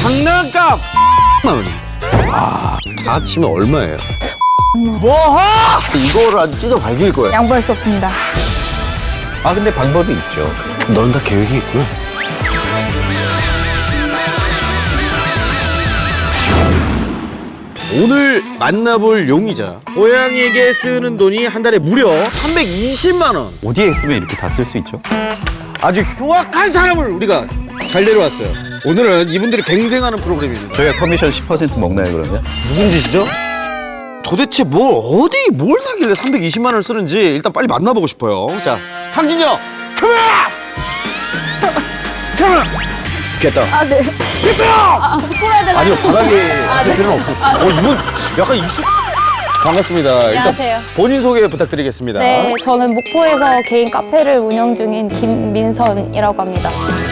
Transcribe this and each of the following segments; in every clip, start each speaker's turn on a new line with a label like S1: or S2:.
S1: 장난감 10만 원이. 다 합치면 얼마예요? 이거를 아주 찢어 발길 거야.
S2: 양보할 수 없습니다.
S3: 아 근데 방법이 있죠.
S1: 넌 다 계획이 있구나. 오늘 만나볼 용의자 고양이에게 쓰는 돈이 한 달에 무려 320만 원.
S3: 어디에 있으면 이렇게 다 쓸 수 있죠?
S1: 아주 흉악한 사람을 우리가 잘 데려왔어요. 오늘은 이분들이 갱생하는 프로그램입니다.
S3: 저희가 커미션 10% 먹나요 그러면?
S1: 무슨 짓이죠? 도대체 뭘 사길래 320만 원을 쓰는지 일단 빨리 만나보고 싶어요. 자, 탕진이 형! 카메라! 카메라! 됐다.
S2: 아, 네. 풀어야 되나?
S1: 아니요, 바닥에 있을
S2: 네.
S1: 필요는 없어. 이분 약간 익숙... 반갑습니다.
S2: 안녕하세요.
S1: 일단 본인 소개 부탁드리겠습니다.
S2: 네, 저는 목포에서 개인 카페를 운영 중인 김민선이라고 합니다.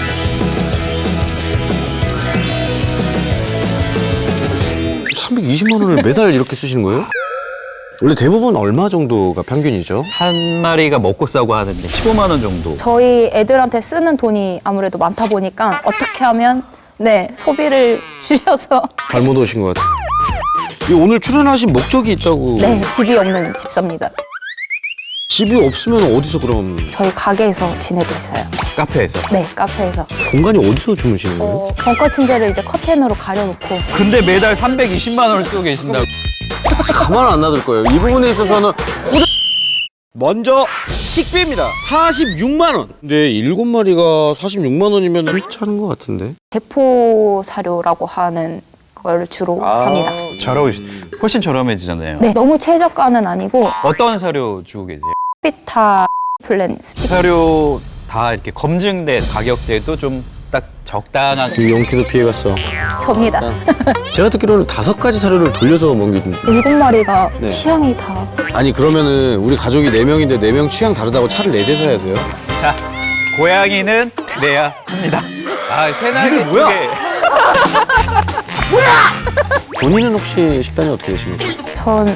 S1: 네. 320만 원을 매달 이렇게 쓰시는 거예요? 원래 대부분 얼마 정도가 평균이죠?
S3: 한 마리가 먹고 싸고 하는데 15만 원 정도.
S2: 저희 애들한테 쓰는 돈이 아무래도 많다 보니까 어떻게 하면 소비를 줄여서
S1: 잘못 오신 것 같아요. 오늘 출연하신 목적이 있다고.
S2: 네, 집이 없는 집사입니다.
S1: 집이 없으면 어디서 그럼
S2: 저희 가게에서 지내고 있어요.
S3: 카페에서.
S2: 네, 카페에서.
S1: 공간이 어디서 주무시는 거예요?
S2: 벙커 침대를 이제 커튼으로 가려놓고
S3: 근데 매달 320만 원을 쓰고 계신다고.
S1: 가만 안 놔둘 거예요. 이 부분에 있어서는 먼저 식비입니다. 46만 원. 근데 7마리가 46만 원이면 괜찮은 것 같은데.
S2: 대포 사료라고 하는 걸 주로 삽니다.
S3: 잘하고 계시. 훨씬 저렴해지잖아요.
S2: 네, 너무 최저가는 아니고
S3: 어떤 사료 주고 계세요?
S2: 비타 플랜 습식
S3: 사료 다 이렇게 검증된 가격대도 좀 딱 적당한.
S1: 용키도 피해갔어.
S2: 접니다.
S1: 제가 듣기로는 5가지 사료를 돌려서 먹이던데.
S2: 7마리가
S1: 네.
S2: 취향이 다
S1: 아니 그러면은 우리 가족이 4명인데 4명 취향 다르다고 차를 4대 사야 돼요?
S3: 자, 고양이는 내야 합니다. 아, 새날개
S1: 이게 뭐야?
S3: 두 개.
S1: 본인은 혹시 식단이 어떻게 되십니까?
S2: 전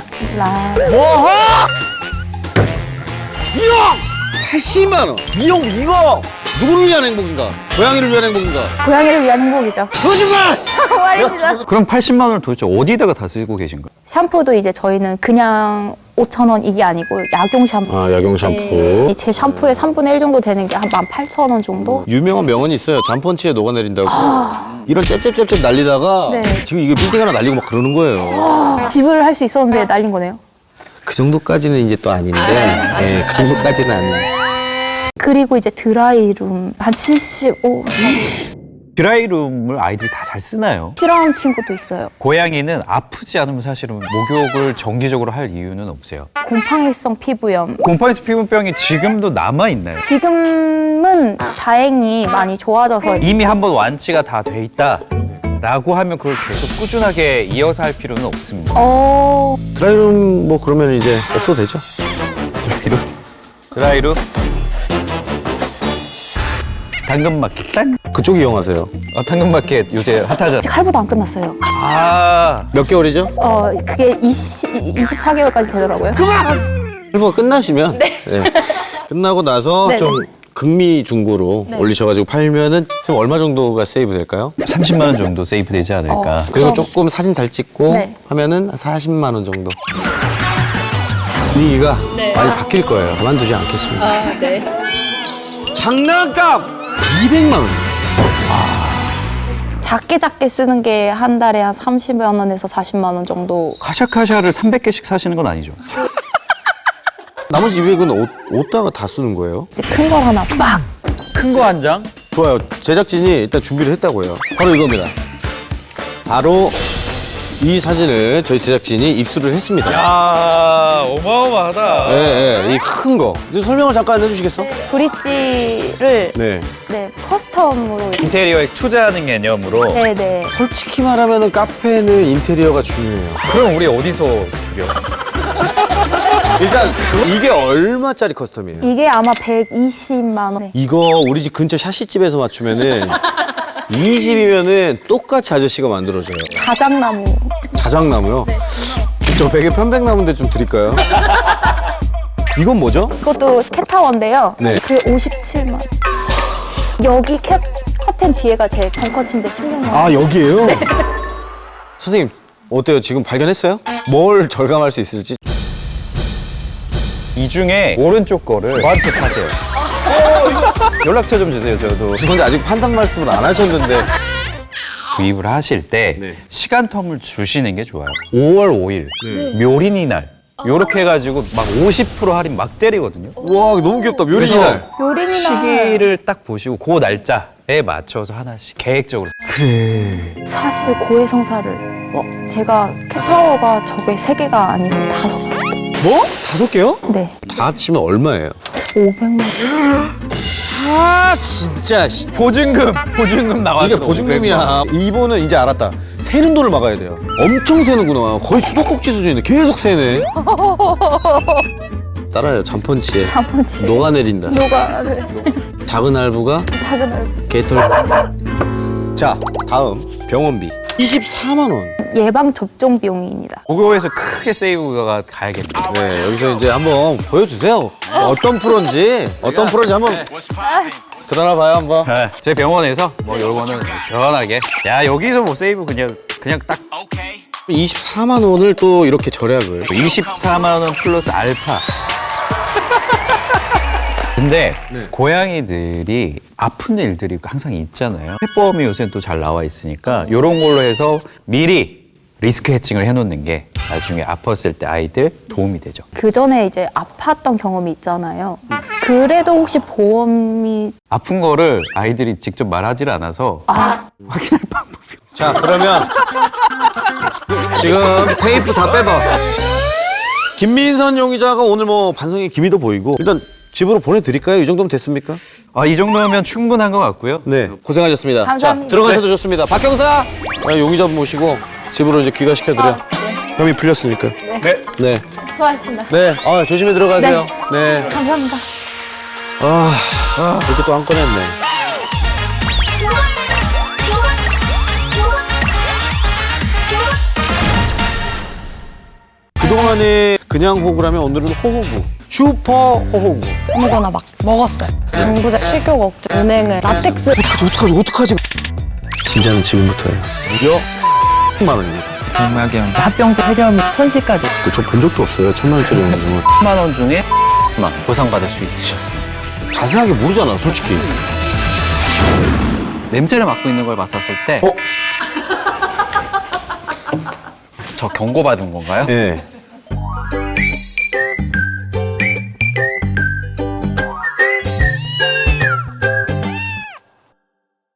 S1: 미용! 80만 원! 미용 이거! 누구를 위한 행복인가? 고양이를 위한 행복인가?
S2: 고양이를 위한 행복이죠.
S1: 거짓말!
S2: 말입니다.
S3: 그럼 80만 원을 도대체 어디다가 다 쓰고 계신 거예요?
S2: 샴푸도 이제 저희는 그냥 5,000원 이게 아니고 약용 샴푸.
S1: 아 약용 샴푸.
S2: 네. 제 샴푸의 3분의 1 정도 되는 게 한 18,000원 정도?
S1: 유명한 명언이 있어요. 잠펀치에 녹아내린다고. 이런 짭짭짭짭 날리다가
S2: 네.
S1: 지금 이게 빌딩 하나 날리고 막 그러는 거예요.
S2: 집을 할 수 있었는데 날린 거네요.
S1: 그 정도까지는 이제 또 아닌데 네, 그 정도까지는 아닌데.
S2: 그리고 이제 드라이룸 한 75.
S3: 드라이룸을 아이들이 다 잘 쓰나요?
S2: 싫어하는 친구도 있어요.
S3: 고양이는 아프지 않으면 사실은 목욕을 정기적으로 할 이유는 없어요.
S2: 곰팡이성 피부염.
S3: 곰팡이스 피부병이 지금도 남아있나요?
S2: 지금은 다행히 많이 좋아져서
S3: 이미 한번 완치가 다 돼 있다 라고 하면 그걸 계속 꾸준하게 이어서 할 필요는 없습니다.
S1: 드라이룸 뭐 그러면 이제 없어도 되죠?
S3: 드라이룸 당근마켓 딴?
S1: 그쪽 이용하세요.
S3: 당근마켓 요새 핫하잖아.
S2: 아직 할부도 안 끝났어요.
S1: 몇 개월이죠?
S2: 그게 24개월까지 되더라고요.
S1: 할부가 끝나시면 네. 끝나고 나서
S2: 네,
S1: 좀 극미 중고로
S2: 네.
S1: 올리셔가지고 팔면은 지금 얼마 정도가 세이브 될까요?
S3: 30만 원 정도 세이브 되지 않을까.
S1: 그리고
S2: 그럼-
S1: 조금 사진 잘 찍고
S2: 네.
S1: 하면은 한 40만 원 정도. 분위기가 많이 바뀔 거예요. 가만두지 않겠습니다. 장난감 200만 원.
S2: 작게 쓰는 게 한 달에 한 30만 원에서 40만 원 정도.
S3: 카샤카샤를 300개씩 사시는 건 아니죠?
S1: 나머지 200은 어디다가 다 쓰는 거예요?
S2: 이제 큰 걸 하나 막.
S3: 큰 거 한 장?
S1: 좋아요. 제작진이 일단 준비를 했다고요. 바로 이겁니다. 바로 이 사진을 저희 제작진이 입수를 했습니다.
S3: 야 어마어마하다.
S1: 이 큰 거. 이제 설명을 잠깐 해주시겠어?
S2: 브릿지를
S1: 네.
S2: 커스텀으로.
S3: 인테리어에 투자하는 개념으로.
S2: 네네.
S1: 솔직히 말하면 카페는 인테리어가 중요해요.
S3: 그럼 우리 어디서 줄여?
S1: 일단 이게 얼마짜리 커스텀이에요?
S2: 이게 아마 120만 원.
S1: 이거 우리 집 근처 샤시집에서 맞추면은 이 집이면은 똑같이 아저씨가 만들어줘요.
S2: 자작나무.
S1: 자작나무요? 저 베개 편백나무인데 좀 드릴까요? 이건 뭐죠?
S2: 이것도 캣타워인데요.
S1: 네.
S2: 그게 57만 원. 여기 캣 커튼 뒤에가 제 벙커치인데 16만 원.
S1: 아, 여기에요? 선생님, 어때요? 지금 발견했어요? 뭘 절감할 수 있을지?
S3: 이 중에 오른쪽 거를 저한테 파세요. 연락처 좀 주세요, 저도.
S1: 근데 아직 판단 말씀을 안 하셨는데.
S3: 구입을 하실 때
S1: 네.
S3: 시간 텀을 주시는 게 좋아요. 5월 5일 묘린이 날 요렇게 해가지고 막 50% 할인 막 때리거든요.
S1: 와, 너무 귀엽다. 묘린이
S3: 그래서
S1: 날.
S2: 요린이나
S3: 시기를 딱 보시고 그 날짜에 맞춰서 하나씩 계획적으로.
S2: 사실 고해성사를 제가 캣타워가 저게 3개가 아니고 5개.
S1: 뭐? 5개요?
S2: 네.
S1: 다 합치면 얼마예요?
S2: 500만 원.
S1: 아, 진짜.
S3: 보증금 나왔어.
S1: 이게 보증금이야. 이분은 이제 알았다. 새는 돈을 막아야 돼요. 엄청 새는구나. 거의 수도꼭지 수준인데 계속 새네. 따라요. 잠펀치에
S2: 3번치.
S1: 녹아내린다.
S2: 노가를.
S1: 작은 할부가
S2: 작은 얼굴.
S1: 개털. 자, 다음 병원비 24만 원.
S2: 예방 접종 비용입니다.
S3: 그거에서 크게 세이브가 가야겠네요.
S1: 네, 여기서 이제 한번 보여주세요. 어떤 프로인지 한번 드러나 봐요 한번.
S3: 네, 제 병원에서 뭐 요거는 시원하게. 야, 여기서 뭐 세이브 그냥 딱
S1: 24만 원을 또 이렇게 절약을.
S3: 24만 원 플러스 알파. 근데 고양이들이 아픈 일들이 항상 있잖아요. 펫보험이 요새는 또 잘 나와 있으니까 이런 걸로 해서 미리 리스크 해칭을 해놓는 게 나중에 아팠을 때 아이들 도움이 되죠.
S2: 그 전에 이제 아팠던 경험이 있잖아요. 그래도 혹시 보험이
S3: 아픈 거를 아이들이 직접 말하지 않아서 확인할 방법이 없어요.
S1: 자, 그러면 지금 테이프 다 빼봐. 김민선 용의자가 오늘 뭐 반성의 기미도 보이고 일단 집으로 보내드릴까요? 이 정도면 됐습니까?
S3: 이 정도면 충분한 것 같고요.
S1: 네, 고생하셨습니다.
S2: 감사합니다.
S1: 자, 들어가셔도 좋습니다. 박 경사, 용의자 모시고 집으로 이제 귀가시켜드려. 혐의 풀렸으니까.
S3: 네.
S1: 네,
S2: 수고하셨습니다.
S1: 네, 조심히 들어가세요. 네.
S2: 감사합니다.
S1: 이렇게 또 한 건 했네. 그동안에 그냥 호구라면 오늘은 호호구. 슈퍼 호호구.
S4: 아무거나 막 먹었어요. 정부자 식욕 억제, 은행을 라텍스.
S1: 어떡하지? 진짜는 지금부터예요. 무려 100만 원입니다.
S5: 100만 원. 합병증 폐렴 천시까지
S1: 저 본 적도 없어요. 1,000만 원짜리 영수증은.
S5: 10만 원 중에 만 보상받을 수 있으셨습니다.
S1: 자세하게 모르잖아, 솔직히.
S5: 냄새를 맡고 있는 걸 맡았을 때 저 경고받은 건가요?
S1: 예.